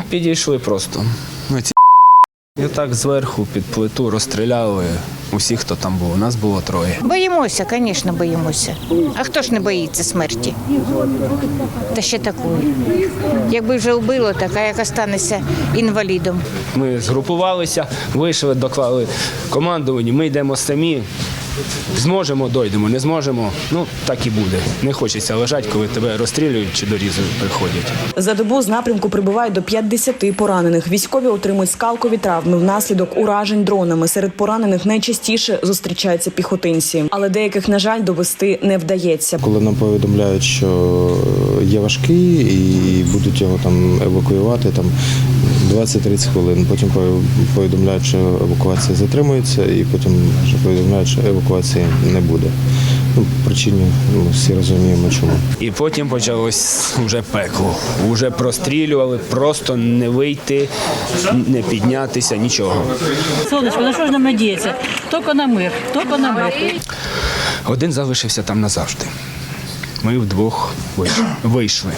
підійшли просто. І так зверху під плиту розстріляли усіх, хто там був. У нас було 3. Боїмося, звісно, боїмося. А хто ж не боїться смерті? Та ще такої. Якби вже вбило, так, а як останеться інвалідом. Ми згрупувалися, вийшли, доклали командуванню, ми йдемо самі. Зможемо, дойдемо, не зможемо, так і буде. Не хочеться лежати, коли тебе розстрілюють чи до різу приходять. За добу з напрямку прибувають до 50 поранених. Військові отримують скалкові травми внаслідок уражень дронами. Серед поранених найчастіше зустрічаються піхотинці. Але деяких, на жаль, довести не вдається. Коли нам повідомляють, що є важкий і будуть його там евакуювати 20-30 хвилин. Потім повідомляють, що евакуація затримується, і потім вже повідомляють, що евакуації не буде. Причини всі розуміємо, чому. І потім почалось вже пекло. Вже прострілювали, просто не вийти, не піднятися, нічого. Сонечко, на що ж нам надіятися? Тільки на мир, тільки на мир. Один залишився там назавжди. Ми вдвох вийшли.